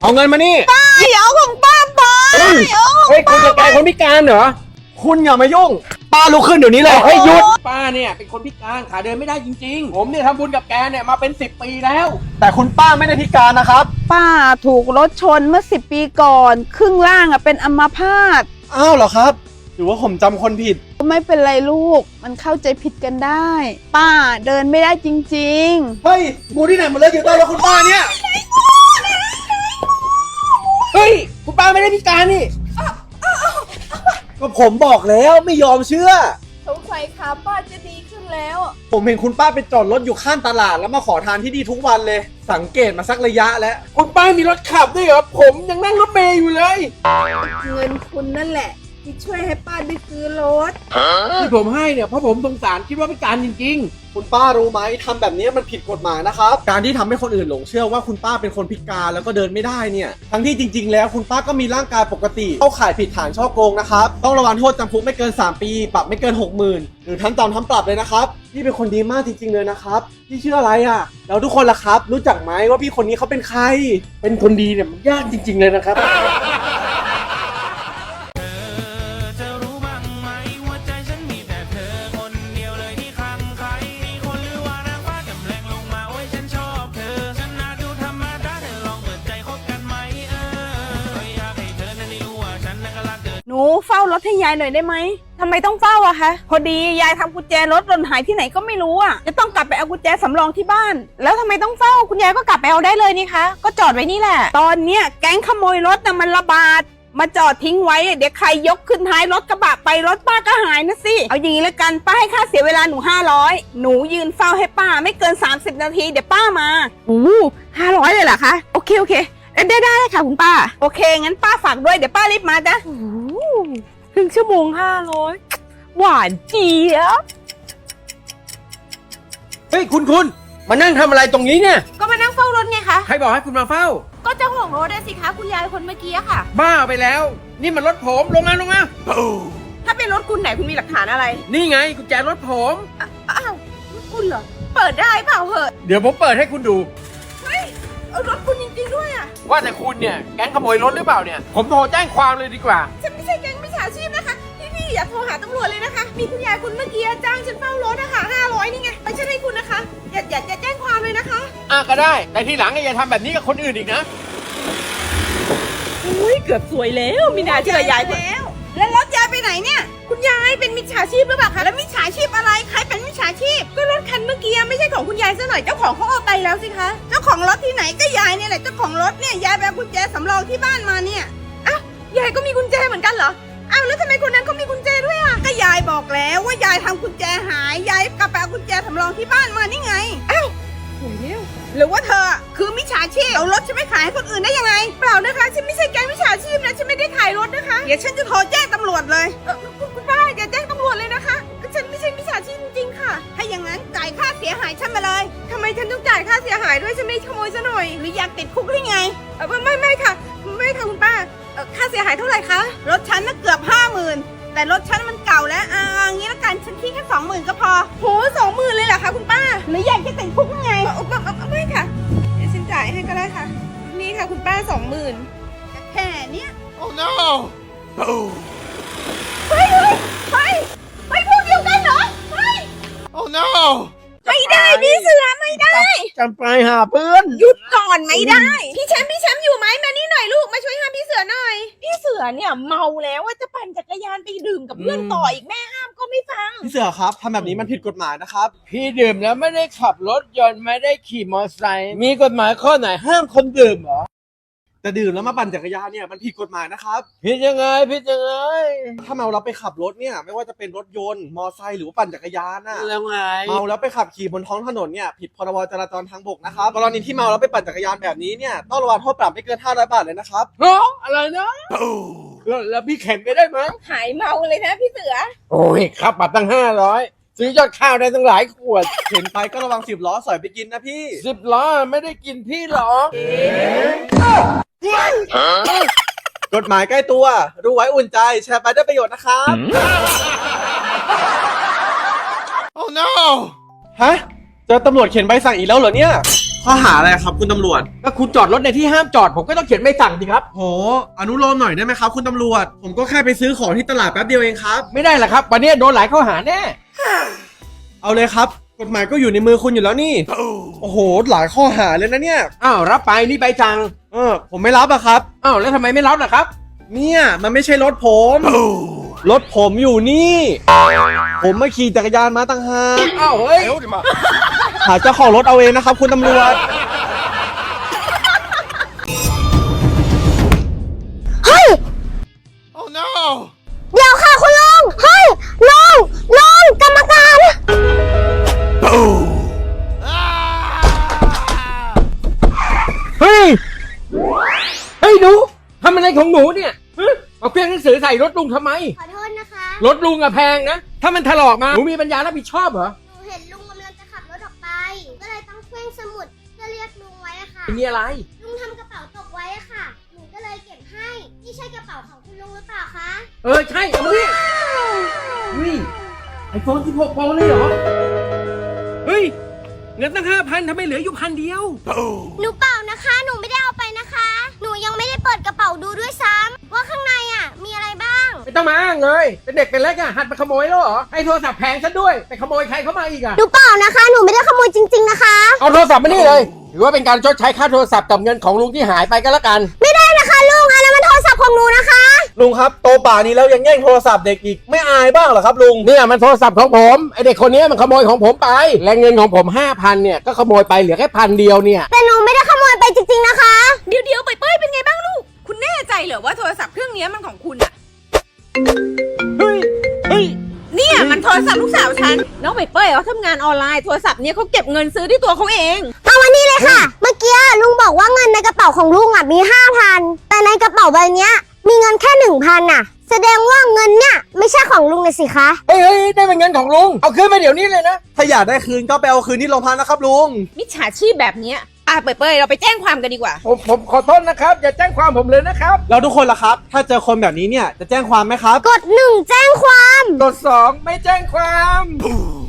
เอาเงินมานี่อย่าเอาของป้าไปเฮ้ยคุณจะกลายคนพิการเหรอคุณอย่ามายุ่งป้าลุกขึ้นเดี๋ยวนี้เลยเฮ้ยหยุดป้าเนี่ยเป็นคนพิการขาเดินไม่ได้จริงๆผมเนี่ยทำบุญกับแกเนี่ยมาเป็น10 ปีแล้ว แต่คุณป้าไม่ได้พิการนะครับป้าถูกรถชนเมื่อ10 ปีก่อนครึ่งล่างเป็นอัมพาตอ้าวเหรอครับหรือว่าผมจำคนผิดไม่เป็นไรลูกมันเข้าใจผิดกันได้ ป้าเดินไม่ได้จริงๆเฮ้ยงูที่ไหนมาเลยอยู่ใต้รถคุณป้าเนี่ยเฮ้ยคุณป้าไม่ได้พิการนี่ก็ผมบอกแล้วไม่ยอมเชื่อสงสัยขาป้าจะดีขึ้นแล้วผมเห็นคุณป้าไปจอดรถอยู่ข้างตลาดแล้วมาขอทานที่ดีทุกวันเลยสังเกตมาสักระยะแล้วคุณป้ามีรถขับด้วยเหรอผมยังนั่งรถเมล์อยู่เลยเงินคุณนั่นแหละที่ช่วยให้ป้าได้ซื้อรถที่ผมให้เนี่ยเพราะผมสงสารคิดว่าพิการจริงๆคุณป้ารู้ไหมทำแบบนี้มันผิดกฎหมายนะครับการที่ทำให้คนอื่นหลงเชื่อว่าคุณป้าเป็นคนพิการแล้วก็เดินไม่ได้เนี่ยทั้งที่จริงๆแล้วคุณป้าก็มีร่างกายปกติเข้าข่ายผิดฐานฉ้อโกงนะครับต้องระวังโทษจำคุกไม่เกิน3 ปีปรับไม่เกิน 60,000 หรือทั้งจำทั้งปรับเลยนะครับพี่เป็นคนดีมากจริงๆเลยนะครับพี่ชื่ออะไรอ่ะแล้วทุกคนล่ะครับรู้จักไหมว่าพี่คนนี้เขาเป็นใครเป็นคนดีเนี่ยมันยากจริงๆเลยนะครับหนูเฝ้ารถให้ยายหน่อยได้ไหมทำไมต้องเฝ้าอะคะพอดียายทำกุญแจรถหล่นหายที่ไหนก็ไม่รู้อะจะต้องกลับไปเอากุญแจสำรองที่บ้านแล้วทำไมต้องเฝ้าคุณยายก็กลับไปเอาได้เลยนี่คะก็จอดไว้นี่แหละตอนเนี้ยแก๊งขโมยรถน่ะมันระบาดมาจอดทิ้งไว้เดี๋ยวใครยกขึ้นท้ายรถกระบะไปรถป้าก็หายนะสิเอาอย่างนี้แล้วกันป้าให้ค่าเสียเวลาหนู500หนูยืนเฝ้าให้ป้าไม่เกิน30 นาทีเดี๋ยวป้ามา500เลยเหรอคะโอเคได้ค่ะคุณป้าโอเคงั้นป้าฝากด้วยเดี๋ยวป้ารีบมาจ้ะครึ่งชั่วโมง500หวานเจี๊ยบเฮ้ยคุณมานั่งทำอะไรตรงนี้เนี่ยก็มานั่งเฝ้ารถไงคะใครบอกให้คุณมาเฝ้าก็เจ้าของรถได้สิคะคุณยายคนเมื่อกี้ค่ะบ้าไปแล้วนี่มันรถผมลงมาถ้าเป็นรถคุณไหนคุณมีหลักฐานอะไรนี่ไงกุญแจรถผมอ้าวรถคุณเหรอเปิดได้เปล่าเหอะเดี๋ยวผมเปิดให้คุณดูเฮ้ยรถคุณจริงๆด้วยอะว่าแต่คุณเนี่ยแก๊งขโมยรถหรือเปล่าเนี่ยผมโทรแจ้งความเลยดีกว่าฉันไม่ใช่แก๊งมิจฉาชีพนะคะพี่อย่าโทรหาตำรวจเลยนะคะมีคุณยายคุณเมื่อกี้จ้างฉันเฝ้ารถนะคะ500นี่ไงไม่ใช่ให้คุณนะคะอย่าแจ้งความเลยนะคะก็ได้แต่ทีหลังอย่าทำแบบนี้กับคนอื่นอีกนะอุ้ยเกือบสวยแล้วมีนาเชื่อยายแล้วแล้วรถยายไปไหนเนี่ยคุณยายเป็นมิจฉาชีพหรือเปล่าคะแล้วมิจฉาชีพอะไรใครเป็นมิจฉาชีพก็รถคันเมื่อกี้ไม่ใช่ของคุณยายซะหน่อยเจ้าของเขาเอาไปแล้วสิคะเจ้าของรถที่ไหนก็ยายเนี่ยแหละเจ้าของรถเนี่ยยายไปเอากุญแจสำรองที่บ้านมาเนี่ยอ้าวยายก็มีกุญแจเหมือนกันเหรออ้าวแล้วทำไมคนนั้นเขามีกุญแจด้วยอ่ะก็ยายบอกแล้วว่ายายทำกุญแจหายยายกลับไปเอากุญแจสำรองที่บ้านมานี่ไงอ้าวโหเร็วหรือว่าเธอคือมิจฉาชีพเอารถฉันไปขายให้คนอื่นได้ยังไงเปล่านะคะฉันไม่ใช่แก๊งมิจฉาชีพนะฉันไม่ได้ขายรถนะคะเดี๋ยวฉันจะโทรแจ้งตำรวจเลยคุณป้าอย่าแจ้งตำรวจเลยนะคะฉันไม่ใช่มิจฉาชีพจริงๆค่ะถ้าอย่างนั้นจ่ายค่าเสียหายฉันมาเลยทำไมฉันต้องจ่ายค่าเสียหายด้วยฉันไม่ขโมยซะหน่อยหรืออยากติดคุกหรือไงไม่ค่ะคุณป้าค่าเสียหายเท่าไหร่คะรถฉันน่ะเกือบ50,000แต่รถฉันมันเก่าแล้วงี้ละกันฉันคิดแค่20,000ก็พอโห20,000เลยเหรอคะคุณป้าหรืออยากจะติดคุกยังไงไม่ค่ะเดี๋ยวฉันจ่ายให้ก็ได้ค่ะนี่ค่ะคุณป้า20,000แค่เนี้ย Oh no เฮ้ยพวกเดียวกันเหรอเฮ้ย Oh no ไม่ได้พี่เสือไม่ได้จำไปหาเพื่อนหยุดก่อนไม่ได้พี่แชมป์อยู่ไหมมานี่หน่อยลูกมาช่วยห้ามพี่เสือหน่อยพี่เสือเนี่ยเมาแล้วว่าจะปั่นจักรยานไปดื่มกับเพื่อนต่ออีกแม่ห้ามก็ไม่ฟังพี่เสือครับทำแบบนี้มันผิดกฎหมายนะครับพี่ดื่มแล้วไม่ได้ขับรถยนต์ไม่ได้ขี่มอเตอร์ไซค์มีกฎหมายข้อไหนห้ามคนดื่มเหรอแต่ดื่มแล้วมาปั่นจักรยานเนี่ยมันผิดกฎหมายนะครับผิดยังไงถ้าเมาแล้วไปขับรถเนี่ยไม่ว่าจะเป็นรถยนต์มอเตอร์ไซค์หรือว่าปั่นจักรยานน่ะแล้วไงเมาแล้วไปขับขี่บนท้องถนนเนี่ยผิดพรบจราจรทางบกนะครับกรณีที่เมาแล้วไปปั่นจักรยานแบบนี้เนี่ยต้องระวังโทษปรับไม่เกิน500 บาทเลยนะครับอะไรนะแล้วพี่เข็นไปได้ไหมหายเมาเลยนะพี่เสือโอ้ยค่าปรับตั้ง500ซื้อยอดข้าวได้ตั้งหลายขวดเข็นไปก็ระวัง10 ล้อสอยไปกินนะพี่10 ล้อไม่ได้กินพี่หรอกกฎหมายใกล้ตัวรู้ไว้อุ่นใจแชร์ไปได้ประโยชน์นะครับ Oh no ฮะเจอตำรวจเขียนใบสั่งอีกแล้วเหรอเนี่ยข้อหาอะไรครับคุณตำรวจก็คุณจอดรถในที่ห้ามจอดผมก็ต้องเขียนใบสั่งสิครับโหอนุโลมหน่อยได้ไหมครับคุณตำรวจ ผมก็แค่ไปซื้อของที่ตลาดแป๊บเดียวเองครับไม่ได้หรอกครับวันนี้โดนหลายข้อหาแน่เอาเลยครับ กฎหมายก็อยู่ในมือคุณอยู่แล้วนี่ โอ้โหหลายข้อหาเลยนะเนี่ยอ้าวรับไปนี่ใบสั่งผมไม่รับอะครับอ้าวแล้วทำไมไม่รับล่ะครับเนี่ยมันไม่ใช่รถผม รถผมอยู่นี่ ผมมาขี่จักรยานมาตั้งหากอ้าวเฮ้ยหาเจ้าของรถเอาเองนะครับคุณตำรวจเฮ้ย เดี๋ยวค่ะคุณลุง เฮ้ยลุงกรรมการเฮ้ยเฮ้ยหนูทำอะไรของหนูเนี่ยฮะเอาเครื่องหนังสือใส่รถลุงทำไมขอโทษนะคะรถลุงอะแพงนะถ้ามันถลอกมาหนูมีปัญญารับผิดชอบเหรอหนูเห็นลุงกำลังจะขับรถออกไป ก็เลยต้องเคว้งสมุดเพื่อเรียกลุงไว้อะค่ะมีอะไรลุงทำกระเป๋าตกไว้อะค่ะ หนูก็เลยเก็บให้ นี่ใช่กระเป๋าของคุณลุงหรือเปล่าคะใช่เอาดิเฮ้ยไอโฟน16 Pro เลยเหรอเฮ้ยเงินตั้ง 5,000ทำไมเหลืออยู่1,000 เดียวหนูเปล่านะคะ หนูไม่ได้เอาไปนะคะ หนูยังไม่ได้เปิดกระเป๋าดูด้วยซ้ำว่าข้างในอะมีอะไรบ้างไม่ต้องมาอ้างเลยเป็นเด็กเป็นเล็กอะหัดมาขโมยแล้วเหรอให้โทรศัพท์แพงซะด้วยไปขโมยใครเข้ามาอีกอะหนูเปล่านะคะ หนูไม่ได้ขโมยจริง ๆนะคะเอาโทรศัพท์มานี่เลยถือว่าเป็นการชดใช้ค่าโทรศัพท์กับเงินของลุงที่หายไปก็แล้วกันไม่ได้นะคะลุงอันนั้นมันโทรศัพท์ของหนูนะคะลุงครับโตป่านี้แล้วยังแย่งโทรศัพท์เด็กอีกไม่อายบ้างเหรอครับลุงเนี่ยมันโทรศัพท์ของผมไอเด็กคนนี้มันขโมยของผมไปและเงินของผม 5,000เนี่ยก็ขโมยไปเหลือแค่1,000 เดียวเนี่ยแต่หนูไม่ได้ขโมยไปจริงๆนะคะเดี๋ยวเป้ยเป็นไงบ้างลูก คุณแน่ใจเหรอว่าโทรศัพท์เครื่องนี้มันของคุณอะเฮ้ยเนี่ยมันโทรศัพท์ลูกสาวฉัน น้องเป้ยเขาทำงานออนไลน์โทรศัพท์เนี้ยเขาเก็บเงินซื้อที่ตัวเขาเองเอาวันนี้เลยค่ะ เมื่อกี้ลุงบอกว่าเงินในกระเป๋าของลุงอ่ะมี 5,000 แต่ในกระเป๋าใบเนี้ยมีเงินแค่ 1,000น่ะ แสดงว่าเงินเนี่ยไม่ใช่ของลุงเลยสิคะเฮ้ยได้เป็นเงินของลุงเอาคืนมาเดี๋ยวนี้เลยนะถ้าอยากได้คืนก็ไปเอาคืนที่โรงพักนะครับลุงมิจฉาชีพแบบเนี้ยเป้ยเราไปแจ้งความกันดีกว่าผมขอโทษนะครับอย่าแจ้งความผมเลยนะครับแล้วทุกคนล่ะครับ ถ้าเจอคนแบบนี้เนี่ยจะแจ้งความไหมครับกด 1 แจ้งความกด2ไม่แจ้งความ